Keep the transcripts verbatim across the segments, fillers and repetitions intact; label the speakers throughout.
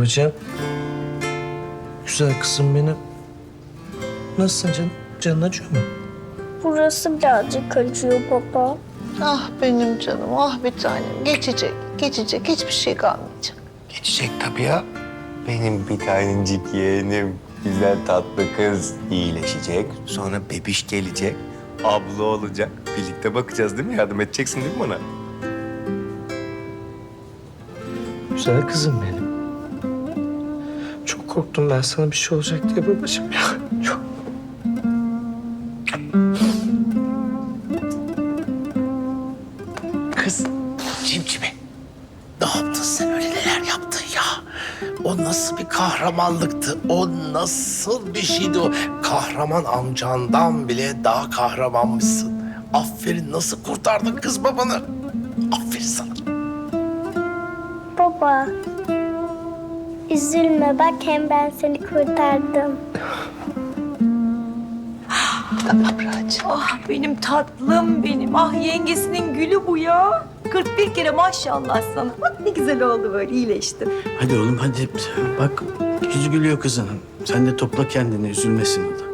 Speaker 1: Babacığım. Güzel kızım benim. Nasılsın canım? Canın acıyor mu?
Speaker 2: Burası birazcık acıyor baba.
Speaker 3: Ah benim canım, ah bir tanem. Geçecek, geçecek. Hiçbir şey kalmayacak.
Speaker 4: Geçecek tabii ya. Benim bir tanecik yeğenim, güzel tatlı kız iyileşecek. Sonra bebiş gelecek, abla olacak. Birlikte bakacağız değil mi? Yardım edeceksin değil mi bana?
Speaker 1: Güzel kızım benim. Çok korktum ben sana bir şey olacak diye babacığım ya. Çok.
Speaker 5: Kız cimcime. Ne yaptın sen öyle neler yaptın ya? O nasıl bir kahramanlıktı? O nasıl bir şeydi o? Kahraman amcandan bile daha kahramanmışsın. Aferin, nasıl kurtardın kız babanı? Aferin sana.
Speaker 2: Baba. Üzülme bak hem ben seni kurtardım.
Speaker 3: Tamam Raci.
Speaker 6: Ah benim tatlım benim. Ah yengesinin gülü bu ya. kırk bir kere maşallah sana. Bak ne güzel oldu böyle iyileştin.
Speaker 7: Hadi oğlum hadi. Bak yüzü gülüyor kızın. Sen de topla kendini, üzülmesin o da.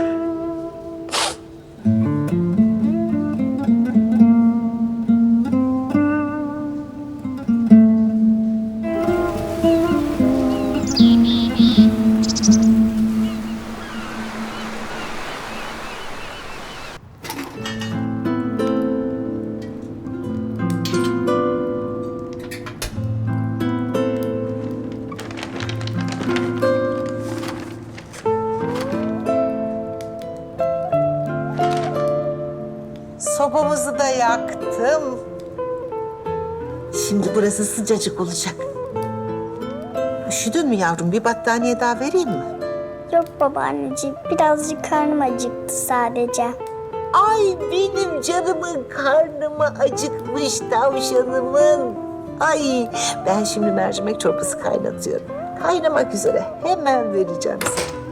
Speaker 3: Sobamızı da yaktım. Şimdi burası sıcacık olacak. Üşüdün mü yavrum? Bir battaniye daha vereyim mi?
Speaker 2: Yok babaanneciğim birazcık karnım acıktı sadece.
Speaker 3: Ay benim canımın karnıma acıkmış tavşanımın. Ay ben şimdi mercimek çorbası kaynatıyorum. Kaynamak üzere. Hemen vereceğim sana.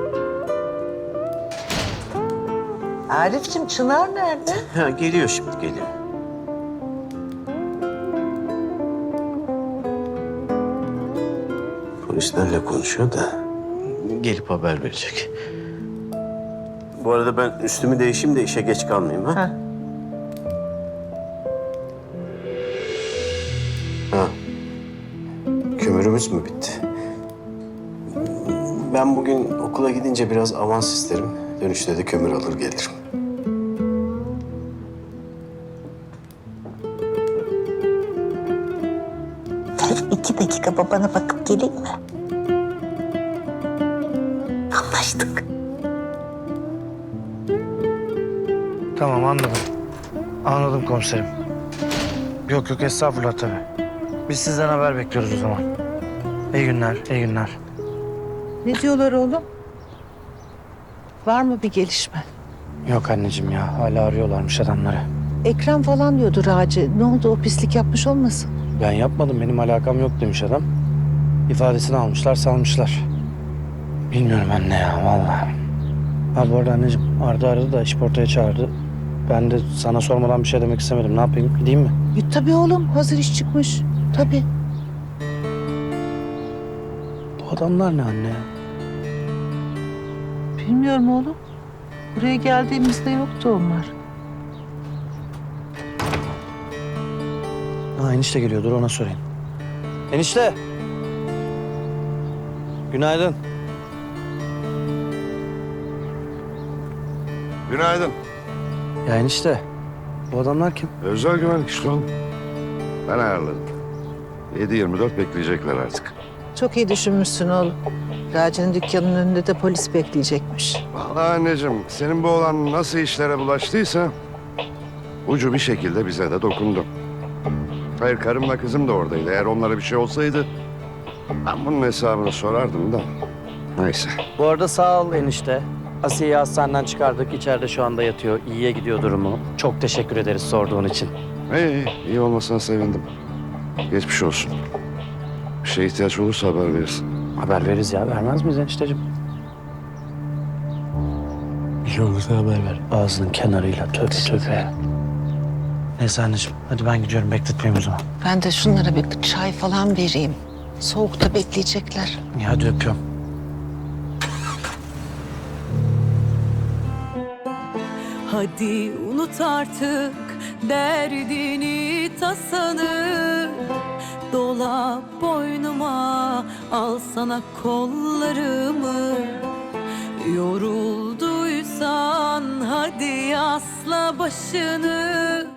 Speaker 3: Arif'cim Çınar nerede?
Speaker 7: Ha, geliyor şimdi, geliyor. Polislerle konuşuyor da gelip haber verecek. Bu arada ben üstümü değişeyim de işe geç kalmayayım ha.
Speaker 3: Ha.
Speaker 7: Ha. Kömürümüz mü bitti? Ben bugün okula gidince biraz avans isterim. Dönüşte de kömür alır gelirim.
Speaker 3: Gel iki dakika babana bakıp geleyim mi? Anlaştık.
Speaker 1: Tamam anladım. Anladım komiserim. Yok yok estağfurullah tabii. Biz sizden haber bekliyoruz o zaman. İyi günler, iyi günler.
Speaker 3: Ne diyorlar oğlum? Var mı bir gelişme?
Speaker 1: Yok anneciğim ya hala arıyorlarmış adamları.
Speaker 3: Ekrem falan diyordu Raci. Ne oldu o pislik yapmış olmasın?
Speaker 1: Ben yapmadım benim alakam yok demiş adam. İfadesini almışlar salmışlar. Bilmiyorum anne ya vallahi. Ha bu arada anneciğim Arda aradı da işportaya çağırdı. Ben de sana sormadan bir şey demek istemedim. Ne yapayım? Gideyim mi?
Speaker 3: E, tabii oğlum hazır iş çıkmış. Tabii.
Speaker 1: Bu adamlar ne anne ya?
Speaker 3: Bilmiyorum oğlum. Buraya geldiğimizde yoktu onlar.
Speaker 1: Ha enişte geliyor dur ona sorayım. Enişte. Günaydın.
Speaker 8: Günaydın.
Speaker 1: Ya enişte. Bu adamlar kim?
Speaker 8: Özel güvenlik işte oğlum. Ben ayarladım. yedi yirmi dört bekleyecekler artık.
Speaker 3: Çok iyi düşünmüşsün oğlum. Raci'nin dükkanının önünde de polis bekleyecekmiş.
Speaker 8: Vallahi anneciğim, senin bu oğlan nasıl işlere bulaştıysa... ...ucu bir şekilde bize de dokundu. Hayır, karımla kızım da oradaydı. Eğer onlara bir şey olsaydı... ...ben bunun hesabını sorardım da. Neyse.
Speaker 1: Bu arada sağ ol enişte. Asiye'yi hastaneden çıkardık. İçeride şu anda yatıyor. İyiye gidiyor durumu. Çok teşekkür ederiz sorduğun için.
Speaker 8: İyi, iyi, iyi olmasına sevindim. Geçmiş olsun. Bir şeye ihtiyaç olursa haber verirsin.
Speaker 1: Haber veririz ya. Vermez miyiz enişteciğim? Bir şey olursa haber ver. Ağzının kenarıyla tövbe tövbe. Neyse anneciğim. Hadi ben gidiyorum. Bekletmeyeyim o zaman.
Speaker 3: Ben de şunlara bir çay falan vereyim. Soğukta bekleyecekler.
Speaker 1: Ya hadi öpüyorum.
Speaker 9: Hadi unut artık derdini tasanı, dola boynuma, al sana kollarımı. Yorulduysan hadi asla başını,